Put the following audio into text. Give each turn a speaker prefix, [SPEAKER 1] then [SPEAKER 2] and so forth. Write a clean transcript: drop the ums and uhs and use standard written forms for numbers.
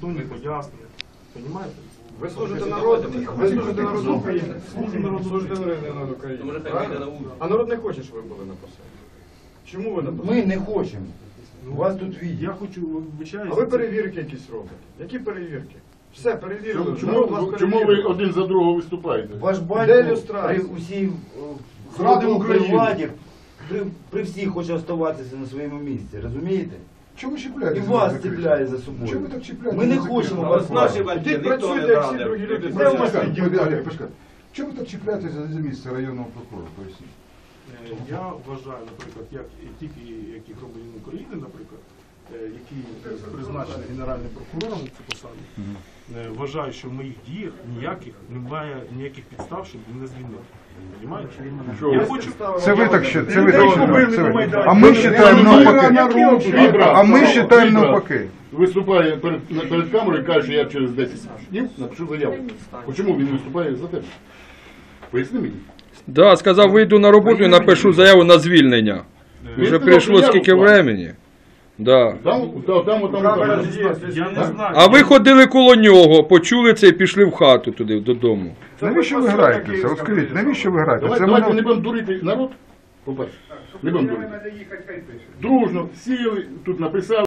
[SPEAKER 1] не пояснення. Понимаєте?
[SPEAKER 2] Ви служите народу, ви служите народу України. Служите народу України. А народ не хоче, щоб ви були на посаді. Чому ви на посаді?
[SPEAKER 3] Ми не хочемо. У вас тут відео.
[SPEAKER 1] Я хочу, вибачаюся.
[SPEAKER 2] А ви перевірки якісь робите? Які перевірки? Все, перевірили.
[SPEAKER 4] Чому ви один за другого виступаєте?
[SPEAKER 3] Ваш
[SPEAKER 2] Де
[SPEAKER 3] батько
[SPEAKER 2] люстрація?
[SPEAKER 3] при усій
[SPEAKER 4] Зради України.
[SPEAKER 3] владі, при всіх хоче оставатися на своєму місці, розумієте?
[SPEAKER 5] Чому
[SPEAKER 3] І
[SPEAKER 5] чіпляєте?
[SPEAKER 3] вас ціпляє за собою.
[SPEAKER 5] Чому ви так чіпляєте?
[SPEAKER 3] Ми не хочемо вас бачити.
[SPEAKER 2] Ідіть працюйте, як всі другі люди.
[SPEAKER 3] Де у вас
[SPEAKER 5] Чому ви так чіпляєтеся за місце районного прокурора? Поясніть.
[SPEAKER 1] Я вважаю, наприклад, як які громадянин України, наприклад, який призначений Генеральним прокурором на цю посаду, вважаю, що в моїх діях немає ніяких підстав, щоб він не звільнив. Понимаєте? Я хочу...
[SPEAKER 5] Це ви так ще, це ви
[SPEAKER 1] Людей
[SPEAKER 5] так
[SPEAKER 1] побили
[SPEAKER 5] ще.
[SPEAKER 1] на Майдані.
[SPEAKER 5] А ми вважаємо навпаки.
[SPEAKER 4] Вибрав.
[SPEAKER 5] А ми вважаємо навпаки.
[SPEAKER 4] Виступає перед камерою і каже, що я через 10 днів напишу заяву. Чому він виступає за тебе? Поясни мені.
[SPEAKER 6] Да, сказав, вийду на роботу і напишу заяву на звільнення. Вже прийшло скільки времени. Да.
[SPEAKER 4] Там.
[SPEAKER 1] Я не знаю.
[SPEAKER 6] А ви ходили коло нього, почули це і пішли в хату туди, додому.
[SPEAKER 5] Навіщо ви граєтеся? Розкажіть, навіщо ви граєтеся?
[SPEAKER 4] Давайте не будемо дурити народ. По-перше, не будемо дурити. Дружно сіли, тут написали.